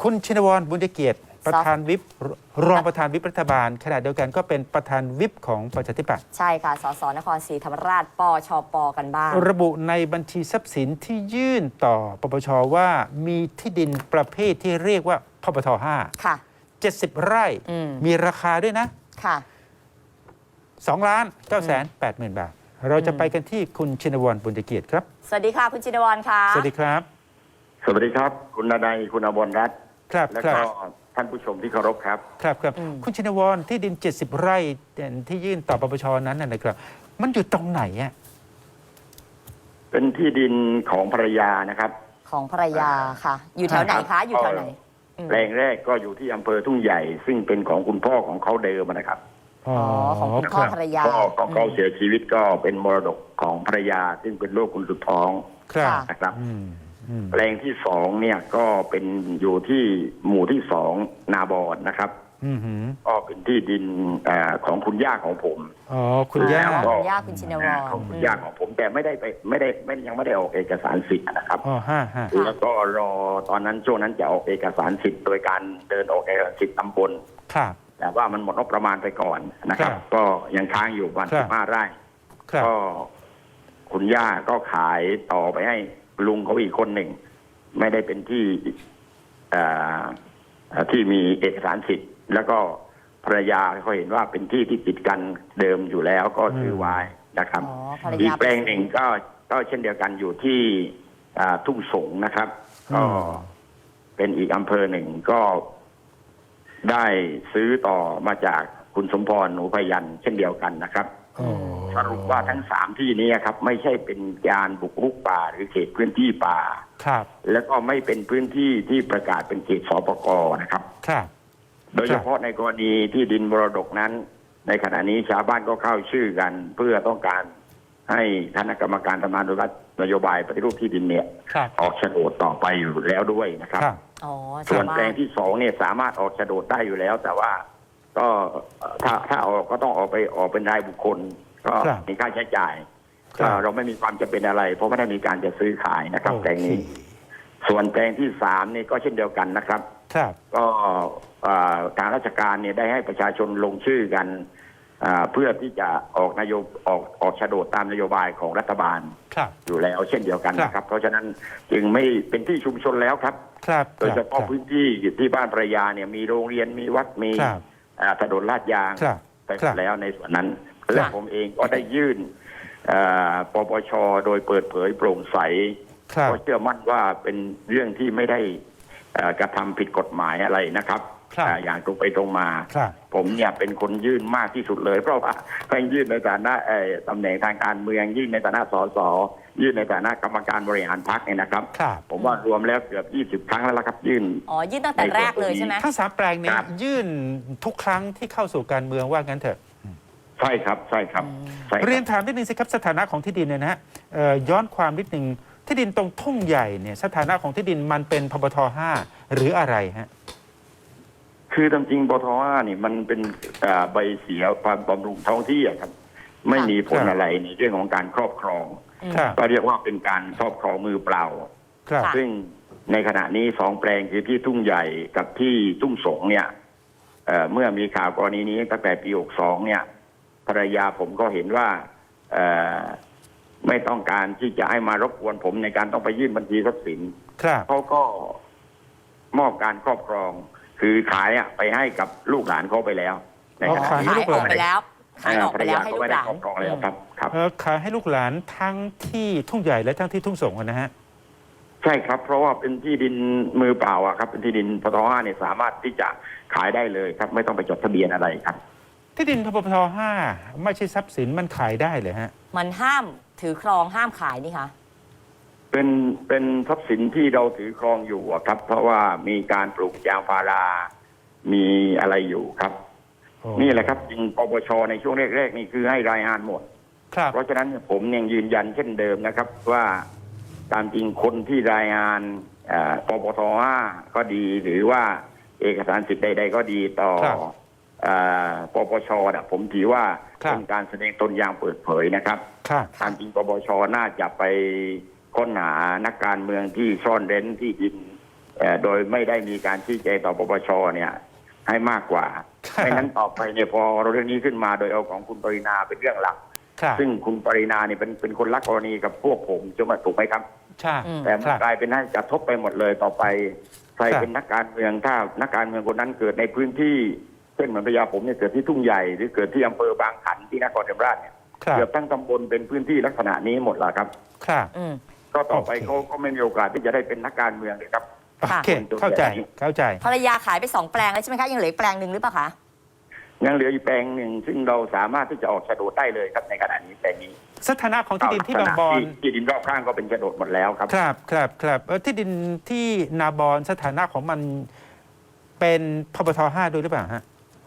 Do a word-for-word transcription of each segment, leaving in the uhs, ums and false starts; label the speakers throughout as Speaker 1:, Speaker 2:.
Speaker 1: คุณชินวรบุญเกียรติประธานวิปรองประธานวิปรัฐบาลขณะเดียวกันก็เป็นประธานวิปของประชาธิปัตย์
Speaker 2: ใช่ค่ะสสนครศรีธรรมราชปชปกันบ้าง
Speaker 1: ระบุในบัญชีทรัพย์สินที่ยื่นต่อปปชว่ามีที่ดินประเภทที่เรียกว่าพปทห้า
Speaker 2: ค่ะ
Speaker 1: เจ็ดสิบไร่
Speaker 2: ม
Speaker 1: มีราคาด้วยนะ
Speaker 2: ค่ะ
Speaker 1: สองล้านเก้าแสนแปดหมื่นบาทเราจะไปกันที่คุณชินวรบุญเกียรติครับ
Speaker 2: สวัสดีค่ะคุณชินวรค่ะ
Speaker 1: สวัสดีครับ
Speaker 3: สวัสดีครับคุณนายคุณอมรรัตน์
Speaker 1: ครับ
Speaker 3: และ
Speaker 1: ก็
Speaker 3: ท่านผู้ชมที่เคารพครับ
Speaker 1: ครับครับคุณชินวรที่ดินเจ็ดสิบไร่ที่ยื่นต่อปปชนั้นนะครับมันอยู่ตรงไหนอ่ะ
Speaker 3: เป็นที่ดินของภรรยานะครับ
Speaker 2: ของภรรยาค่ะอยู่แถวไหนคะอยู่แถวไหน
Speaker 3: แปลงแรกก็อยู่ที่อำเภอทุ่งใหญ่ซึ่งเป็นของคุณพ่อของเขาเดิมนะครับ
Speaker 2: อ๋อของคุณพ่อภรรยา
Speaker 3: พ่อของเขาเสียชีวิตก็เป็นมรดกของภรรยาซึ่งเป็นลูกคุณสุดท้องนะครับแปลงที่สองเนี่ยก็เป็นอยู่ที่หมู่ที่สองนาบอนนะครับก็เป็นที่ดินของคุณย่าของผม
Speaker 1: อ๋อคุณย่า
Speaker 2: คุณย่าคุณชินวร
Speaker 3: ของคุณย่าของผมแต่ไม่ได้ไปไม่ได้ไม่ยังไม่ได้ออกเอกสารสิทธิ์นะครับ
Speaker 1: อ๋อฮะฮะ
Speaker 3: แล้วก็รอตอนนั้นช่วงนั้นจะออกเอกสารสิทธิ์โดยการเดินออกเอกสารสิทธิ์ตำบล
Speaker 1: ครับ
Speaker 3: แต่ว่ามันหมดงบประมาณไปก่อนนะครับก็ยังค้างอยู่วันสิบห้าไร่ก็คุณย่าก็ขายต่อไปให้ลุงเขาอีกคนหนึ่งไม่ได้เป็นที่ที่มีเอกสารสิทธิ์แล้วก็ภรรยาเขาเห็นว่าเป็นที่ที่ติดกันเดิมอยู่แล้วก็ซื้อไว้นะครับอีกแปลงหนึ่งก็ก็เช่นเดียวกันอยู่ที่ทุ่งสงนะครับก็เป็นอีกอำเภอหนึ่งก็ได้ซื้อต่อมาจากคุณสมพรหนูพยัญชนะเช่นเดียวกันนะครับสรุปว่าทั้งสามที่นี้ครับไม่ใช่เป็นการบุกรุกป่าหรือเขตพื้นที่ป่า
Speaker 1: ครับ
Speaker 3: แล้วก็ไม่เป็นพื้นที่ที่ประกาศเป็นเขตสปก.นะครับ
Speaker 1: ครับ
Speaker 3: โดยเฉพาะในกรณีที่ดินมรดกนั้นในขณะนี้ชาวบ้านก็เข้าชื่อกันเพื่อต้องการให้คณะกรรมการทำงานนโยบายปฏิรูปที่ดินเนี่ยออกโฉนดต่อไปอยู่แล้วด้วยนะครับส่วนแปลงที่สองเนี่ยสามารถออกโฉนดได้อยู่แล้วแต่ว่าก็ถ้าถ้าออกก็ต้องออกไปออกเป็นรายบุคคลก็มีค่าใช้จ่ายก็เราไม่มีความจำเป็นอะไรเพราะไม่ได้มีการจะซื้อขายนะครับแปลงนี้ส่วนแปลงที่สามนี่ก็เช่นเดียวกันนะครับก็ทางราชการเนี่ยได้ให้ประชาชนลงชื่อกันเพื่อที่จะออกนโยบออกออกโฉนดตามนโยบายของรัฐบาลอยู่แล้วเช่นเดียวกันนะครับเพราะฉะนั้นจึงไม่เป็นที่ชุมชนแล้วครับโดยเฉพาะพื้นที่ที่บ้านภรรยาเนี่ยมีโรงเรียนมีวัดมีถนนลาดยางไปแล้วในส่วนนั้นและผมเองก็ได้ยื่นปปชโดยเปิดเผยโปร่งใสเพราะเชื่อมั่นว่าเป็นเรื่องที่ไม่ได้กระทำผิดกฎหมายอะไรนะครับอย่างตรงไปตรงมาผมเนี่ยเป็นคนยื่นมากที่สุดเลยเพราะว่าทั้งยื่นในฐานะตำแหน่งทางการเมืองยื่นในฐานะสสยื่นในฐานะกรรมการบริหารพรรคเนี่ยนะครับผมว่ารวมแล้วเกือบยี่สิบครั้งแล้วละครับยื่น
Speaker 2: อ๋อยื่นตั้งแต่แรกเลยใช่ไหม
Speaker 1: ทั้งสามแปลงนี้ยื่นทุกครั้งที่เข้าสู่การเมืองว่างั้นเถอะ
Speaker 3: ใช่ครับใช่ครับ
Speaker 1: เรียนถามนิดนึงสิครับสถานะของที่ดินเนี่ยนะฮะย้อนความนิดนึงที่ดินตรงทุ่งใหญ่เนี่ยสถานะของที่ดินมันเป็นพปทห้าหรืออะไรฮะ
Speaker 3: คือตามจริงปปทห้านี่มันเป็นใบเสียความบำรุงท้องที่ครับไม่มีผลอะไรในเรื่องของการครอบครองก็เรียกว่าเป็นการครอบครองมือเปล่าซึ่งในขณะนี้สองแปลงคือที่ทุ่งใหญ่กับที่ทุ่งสงเนี่ยเ, เมื่อมีข่าวกรณีนี้ตั้งแต่ปีหกสองเนี่ยภรรยาผมก็เห็นว่าไม่ต้องการที่จะให้มารบกวนผมในการต้องไปยื่นบัญชีทรัพย์สินเขาก็มอบการครอบครองคือขายอ่ะไปให้กับลูกหลานเขาไปแล้ว
Speaker 1: ในขณะนี้
Speaker 2: ขายออกไปแล้วขายออกไปแล้วให้ลูกหลาน
Speaker 3: ครอบครองแล้วครับครับ
Speaker 1: ขายให้ลูกหลานทั้งที่ทุ่งใหญ่และทั้งที่ทุ่งสงนะฮะ
Speaker 3: ใช่ครับเพราะว่าเป็นที่ดินมือเปล่าอ่ะครับเป็นที่ดินปตทห้าเนี่ยสามารถที่จะขายได้เลยครับไม่ต้องไปจดทะเบียนอะไรครับ
Speaker 1: ที่ดินปตทห้าไม่ใช่ทรัพย์สินมันขายได้เลยฮะ
Speaker 2: มันห้ามถือครองห้ามขายนี่คะ
Speaker 3: เป็นเป็นทรัพย์สินที่เราถือครองอยู่ครับเพราะว่ามีการปลูกยางพารามีอะไรอยู่ครับนี่แหละครับจริงปปชในช่วงแรกๆนี่คือให้รายงานหมดเพราะฉะนั้นผมยังยืนยันเช่นเดิมนะครับว่าตามจริงคนที่รายงานปปทห้าก็ดีหรือว่าเอกสารสิทธิ์ใดๆก็ดีต่อปปชนะผมถือว่าเป็นการแสดงตนอย่างเปิดเผยนะครับตามจริงปปชน่าจะไปค้นหานักการเมืองที่ซ่อนเร้นที่ดินเอ่อโดยไม่ได้มีการชี้แจงต่อปปชเนี่ยให้มากกว่า
Speaker 1: ครับ
Speaker 3: ไม่นั้นต่อไปเนี่ยพอเรื่องนี้ขึ้นมาโดยเอาของคุณปรินาเป็นเรื่องหลัก
Speaker 1: ครับ
Speaker 3: ซึ่งคุณปรินาเนี่ยเป็นเป็นคนรักกรณีกับพวกผมจะมาถูกไหมครับ
Speaker 1: ใช่
Speaker 2: อืม
Speaker 3: แต่มัน
Speaker 1: ครับ
Speaker 3: กลายเป็นให้กระทบไปหมดเลยต่อไปใคร
Speaker 1: ครับ
Speaker 3: เป็นนักการเมืองถ้านักการเมืองคนนั้นเกิดในพื้นที่เช่นเหมือนพญาผมเนี่ยเกิดที่ทุ่งใหญ่หรือเกิดที่อำเภอบางขันที่นครศรีธรรมราชเนี่ย
Speaker 1: ครับ
Speaker 3: เกือบทั้งตำบลเป็นพื้นที่ลักษณะนี้หมดละครับ
Speaker 1: ครับ
Speaker 2: อืม
Speaker 3: ก็ต่อไป
Speaker 1: โอเค
Speaker 3: เขาก็ไม่มีโอกาสที่จะได้เป็นนักการเมืองเลยครับ
Speaker 1: โอ
Speaker 2: ค่ะ
Speaker 1: เคเข้าใจเข้าใจ
Speaker 2: ภรรยาขายไปสองแปลงแล้วใช่ไหมคะยังเหลืออีกแปลงหนึ่งหรือเปล่าคะ
Speaker 3: ยังเหลืออีกแปลงหนึ่งซึ่งเราสามารถที่จะออกโฉนดได้เลยครับในขณะนี้แปลงนี้
Speaker 1: สถานะของที่ดินที่บางบอน
Speaker 3: ที่ดินรอบข้างก็เป็นโฉนดหมดแล้วครับ
Speaker 1: ครับครับครับเออที่ดินที่นาบอนสถานะของมันเป็นพบทห้าด้วยหรือเปล่าฮะ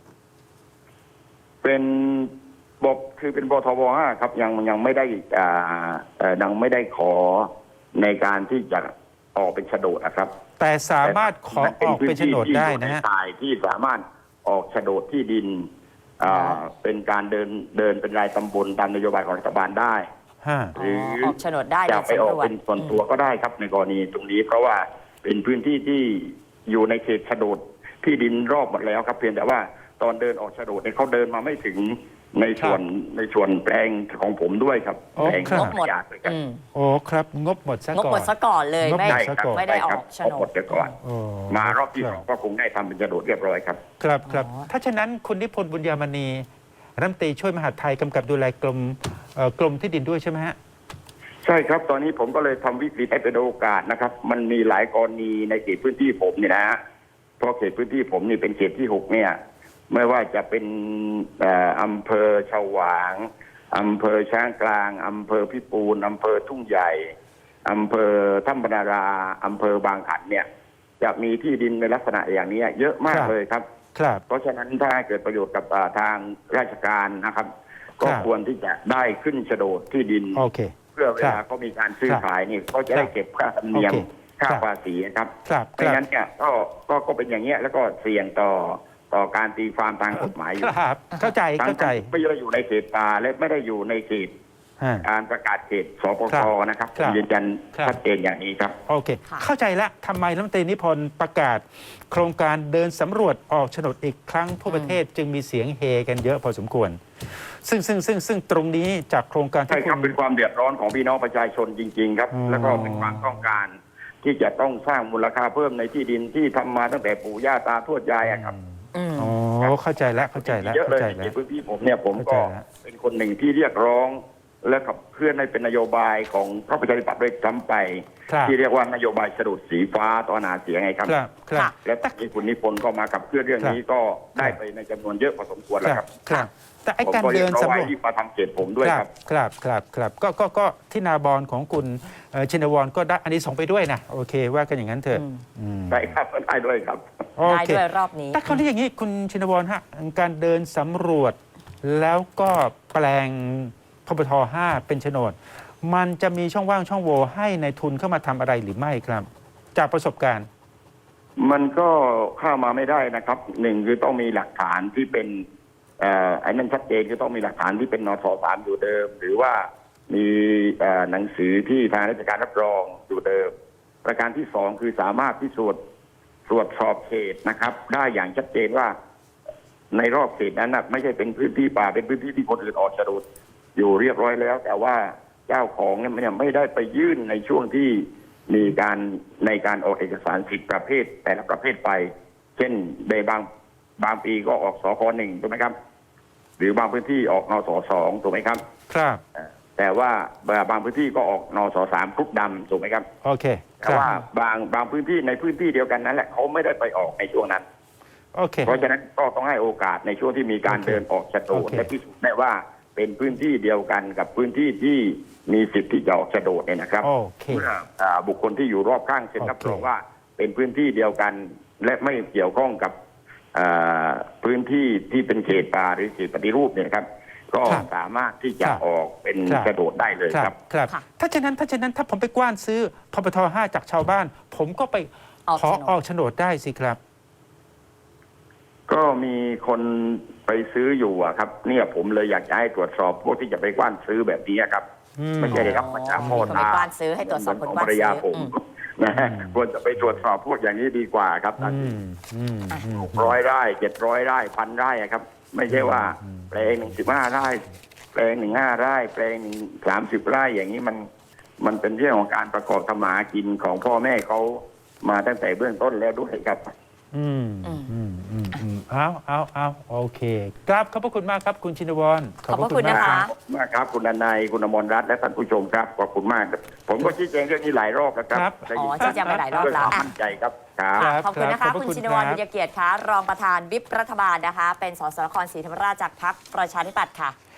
Speaker 3: เป็นบกคือเป็นบทบห้าครับยังยังไม่ได้อ่าเอ่อยังไม่ได้ขอในการที่จะออกเป็นโฉนดนะครับ
Speaker 1: แต่สามารถขอออกเป็นโฉนดได้นะฮะ
Speaker 3: ทายที่สามารถออกโฉนดที่ดินอ่าเป็นการเดินเดินเป็นรายตำบลตามนโยบายของรัฐบาลได้
Speaker 1: ฮะ
Speaker 3: หรือ
Speaker 2: ออกโฉนดได้
Speaker 3: จะไปออก
Speaker 2: โดยสำรวจ
Speaker 3: เป็นส่วนตัวก็ได้ครับในกรณีตรงนี้ เพราะว่าเป็นพื้นที่ที่อยู่ในเขตโฉนดที่ดินรอบหมดแล้วครับเพียงแต่ว่าตอนเดินออกโฉนดเนี่ยเขาเดินมาไม่ถึงในส่วนในส่วนแปลงของผมด้วยครับ
Speaker 1: โอ้
Speaker 3: แปลง
Speaker 1: ครับ
Speaker 2: งบหมด
Speaker 3: ยากเลยครับ
Speaker 2: อืม
Speaker 1: โอ้ครับงบหมดซะ
Speaker 2: งบ
Speaker 1: ก่อ
Speaker 2: หมด
Speaker 1: น
Speaker 2: ซะก่อนเลย
Speaker 1: งบ
Speaker 2: ไม่
Speaker 1: หมด
Speaker 3: ใช่ครับ
Speaker 2: ไม่ได้ออก
Speaker 3: ใช่
Speaker 2: โฉ
Speaker 3: ครับ
Speaker 2: น
Speaker 3: หม
Speaker 2: ด
Speaker 3: ดไปก่อน
Speaker 1: โอ้
Speaker 3: มารอบที่
Speaker 1: ค
Speaker 3: ส
Speaker 1: รั
Speaker 3: องก็คงได้ทำเป็นโฉนดเรียบร้อยครับ
Speaker 1: ครับครับ
Speaker 2: อ๋อ
Speaker 1: ถ้าฉะนั้นคุณนิพนธ์บุญยามณีรัฐมนตรีช่วยมหาดไทยกำกับดูแลกรมเอ่อกรมที่ดินด้วยใช่ไหมฮะ
Speaker 3: ใช่ครับตอนนี้ผมก็เลยทำวิกฤตให้เป็นโอกาสนะครับ มันมีหลายกรณีในเขตพื้นที่ผมเนี่ยนะฮะเพราะเขตพื้นที่ผมนี่เป็นเขตที่หกเนี่ยไม่ว่าจะเป็นเอ่ออำเภอฉวางอำเภอช้างกลางอำเภอพิปูนอำเภอทุ่งใหญ่อำเภอถ้ำบรรนาราอำเภอบางขันเนี่ยจะมีที่ดินในลักษณะอย่างนี้เยอะมาก
Speaker 1: ครับ
Speaker 3: เลยครับ
Speaker 1: ครับ
Speaker 3: เพราะฉะนั้นถ้าเกิดประโยชน์กับอ่าทางราชการนะครับ ก็
Speaker 1: ครับ
Speaker 3: ควรที่จะได้ขึ้นโฉนดที่ดิน
Speaker 1: โอเค
Speaker 3: เพื่อเวลา
Speaker 1: ครับ
Speaker 3: เขามีการซื้อ
Speaker 1: ครับ
Speaker 3: ขายนี่เขาจะได้เก็บค่าธรรมเนียม
Speaker 1: โอเค
Speaker 3: ค่า
Speaker 1: ครับ
Speaker 3: ภาษีนะครับ
Speaker 1: ครับค
Speaker 3: ไม่
Speaker 1: รับ
Speaker 3: งั้นเนี่ยก็ก็ก็เป็นอย่างเงี้ยแล้วก็เสี่ยงต่อต่อการตีความทางกฎหมายอยู่
Speaker 1: ครับเข้าใจ
Speaker 3: ทั้ง
Speaker 1: เข้าใจ
Speaker 3: ที่ไม่ได้อยู่ในเขตป่าและไม่ได้อยู่ในเขต
Speaker 1: ฮะ
Speaker 3: การประกาศเขตสป
Speaker 1: ครั
Speaker 3: ก
Speaker 1: บ
Speaker 3: นะครับ
Speaker 1: ครับ
Speaker 3: ยืนยัน
Speaker 1: ครับ
Speaker 3: ชัดเจนอย่างนี้ครับ
Speaker 1: โอเค
Speaker 2: ค่ะ
Speaker 1: เข้าใจแล้วทำไมรัฐมนตรีนิพนธ์ประกาศ โครงการเดินสำรวจออกโฉนดอีกครั้งทั่วประเทศจึงมีเสียงเฮกันเยอะพอสมควร ซึ่งซึ่งซึ่งซึ่งตรงนี้จากโครงการ
Speaker 3: ใช่
Speaker 1: ที่
Speaker 3: ครับ
Speaker 1: คุ
Speaker 3: เป็
Speaker 1: ณ
Speaker 3: นความเดือดร้อนของพี่น้องประชาชนจริง ๆ ครับ
Speaker 1: อ๋อ
Speaker 3: แล้วก็เป็นความต้องการ ที่จะต้องสร้างมูลค่าเพิ่มในที่ดินที่ทำมาตั้งแต่ปู่ย่าตาทวดยายอะครับ
Speaker 2: อืม
Speaker 1: อ๋อเข้าใจแล้วเข้าใจแล้ว
Speaker 3: เยอะเล
Speaker 1: เข้าย ใจ
Speaker 3: ใน
Speaker 1: แล้ว
Speaker 3: พื้นที่ผมเนี่ยผมก็
Speaker 1: เข้าใจแล้ว
Speaker 3: เป็นคนหนึ่งที่เรียกร้อง และขับเคลื่อนให้เป็นนโยบายของพรรคประชาธิปัตย์ด้วยซ้ำไป
Speaker 1: ครับ
Speaker 3: ที่เรียกว่านโยบายสะดุดสีฟ้าตอนหาเสียงไงครับ
Speaker 1: ครับครับ
Speaker 2: ค่ะ
Speaker 3: และตอนนี้คุณนิพนธ์ก็มาขับเคลื่อนเรื่องนี้ก็ได้ไปในจำนวนเยอะพอสมควร
Speaker 1: ค
Speaker 3: แล้ว
Speaker 1: รั
Speaker 3: ครับ บ
Speaker 1: ครับ แต่ไอ้
Speaker 3: ผม
Speaker 1: การ
Speaker 3: ก็เรี
Speaker 1: เดิ
Speaker 3: ยก
Speaker 1: น
Speaker 3: ร้อง
Speaker 1: สำร
Speaker 3: ไว้
Speaker 1: วจ
Speaker 3: ที่มาทำเขตผมด้วยครับ
Speaker 1: ครับครับครับก็ก็ก็ที่นาบอนของคุณเอ่อชินวรก็ได้อันนี้ส่งไปด้วยนะโอเคว่ากันอย่างนั้นเถอะ
Speaker 2: อืม
Speaker 1: อืม
Speaker 3: ได้ครับได้ด้วยครับ
Speaker 1: โอ
Speaker 2: ได้
Speaker 1: เค
Speaker 2: ด้วยรอบนี้
Speaker 1: แต่คราวนี้อย่างนี้คุณชินวรฮะการเดินสำรวจ แล้วก็แปลงพบทห้าเป็นโฉนด มันจะมีช่องว่างช่องโหว่ให้ในายทุนเข้ามาทำอะไรหรือไม่ครับ จากประสบการณ์
Speaker 3: มันก็เข้ามาไม่ได้นะครับหนึ่งคือต้องมีหลักฐานที่เป็นเอ่อไอ้นั่นชัดเจนคือต้องมีหลักฐานที่เป็นนสสามอยู่เดิม หรือว่ามีเอ่อหนังสือที่ทางราชการรับรองอยู่เดิม ประการที่สองคือสามารถพิสูจน์ตรวจสอบเขตนะครับ ได้อย่างชัดเจนว่าในรอบเขตนั้นนะไม่ใช่เป็นพื้นที่ป่าเป็นพื้นที่ที่คนอื่นออกโฉนดอยู่เรียบร้อยแล้ว แต่ว่าเจ้าของเนี่ยมันไม่ได้ไปยื่นในช่วงที่มีการในการออกเอกสารสิทธิประเภทแต่ละประเภทไป เช่นในบางบางปีก็ออกสคหนึ่งถูกไหมครับ หรือบางพื้นที่ออกนสสองถูกไหมครับ
Speaker 1: ครับ
Speaker 3: เอ่อแต่ว่าบางพื้นที่ก็ออกนสสามครุกดำถูกไหมครับ
Speaker 1: โอเคค
Speaker 3: แต่
Speaker 1: รับ
Speaker 3: ว่าบางบางพื้นที่ในพื้นที่เดียวกันนั้นแหละเขาไม่ได้ไปออกในช่วงนั้น
Speaker 1: โอเค
Speaker 3: เพราะฉะนั้นก็ต้องให้โอกาสในช่วงที่มีการ
Speaker 1: โอเค
Speaker 3: เดินออกโฉนด
Speaker 1: โอเค
Speaker 3: และพิสูจน์ได้ว่าเป็นพื้นที่เดียวกันกับพื้นที่ที่มีสิทธิ์ที่จะออกโฉนดเนี่ยนะครับ
Speaker 1: โอเค
Speaker 3: เมื่ออ่าบุคคลที่อยู่รอบข้างเซ็นรับ
Speaker 1: โอเค
Speaker 3: รองว่าเป็นพื้นที่เดียวกัน และไม่เกี่ยวข้องกับอ่าพื้นที่ที่เป็นเขตป่าหรือเขตปฏิรูปเนี่ยนะครับ ก็สามารถที่จะออกเป็นโฉนดได้เลย
Speaker 1: ค
Speaker 3: ค
Speaker 1: รั
Speaker 3: รั
Speaker 1: บบ ครับ
Speaker 2: ค่ะ
Speaker 1: ถ้าฉะนั้นถ้าฉะนั้นถ้าผมไปกว้านซื้อพบทห้าจากชาวบ้าน ผมก็ไป
Speaker 2: ออก
Speaker 1: ขอ
Speaker 2: โฉนด
Speaker 1: ออกโฉนดได้สิครับ
Speaker 3: ก็มีคนไปซื้ออยู่อะครับ เนี่ยผมเลยอยากจะให้ตรวจสอบพวกที่จะไปกว้านซื้อแบบนี้ครับ
Speaker 1: อืม
Speaker 3: ไม่ใช่ได้รับมาจาก
Speaker 2: อ๋อ
Speaker 3: พ่อ
Speaker 2: มีคนไป
Speaker 3: ตาก
Speaker 2: ว้านซื้อให้ตรวจสอบคน
Speaker 3: ของ
Speaker 2: กว้าน
Speaker 3: ภรรยา
Speaker 2: ซื้อ
Speaker 3: ผม
Speaker 2: อืม
Speaker 3: นะฮะควรจะไปตรวจสอบพวกอย่างนี้ดีกว่าครับ
Speaker 1: อืมอืมอืม
Speaker 3: ร้อยไร่เจ็ดร้อยไร่พันไร่อะครับ ไม่ใช่ว่า
Speaker 1: อืม
Speaker 3: แปลงหนึ่งสิบห้าไร่แปลงหนึ่งห้าไร่แปลงหนึ่งสามสิบไร่อย่างนี้มันมันเป็นเรื่องของการประกอบธรรมากินของพ่อแม่เขามาตั้งแต่เบื้องต้นแล้วด้วยครับ
Speaker 1: อืมอืมอืมอืมเอาเอาเอาโอเคครับขอบพระคุณมากครับคุณชินวร
Speaker 2: ขอบพระคุณนะคะ
Speaker 3: ขอบคุณมากครับคุณอนายคุณอมรรัตน์และท่านผู้ชมครับขอบคุณมากครับผมก็ชี้แจงเรื่องนี้หลายรอบแล้วครับ
Speaker 2: อ๋อชี้แจงไปหลายรอบแล้ว
Speaker 3: ด้วยความมั่นใจครับครับ
Speaker 1: ครับ
Speaker 2: ขอบคุณนะ
Speaker 1: ครั
Speaker 2: คะ
Speaker 1: บขอบพระ
Speaker 2: คุณ
Speaker 1: คุณ
Speaker 2: ชินวร
Speaker 1: ครับ
Speaker 2: วิทยาเกียรติคะรองประธานวิปรัฐบาลนะคะ เป็นสสนครศรีธรรมราชจากพรรคประชาธิปัตย์ค่ะ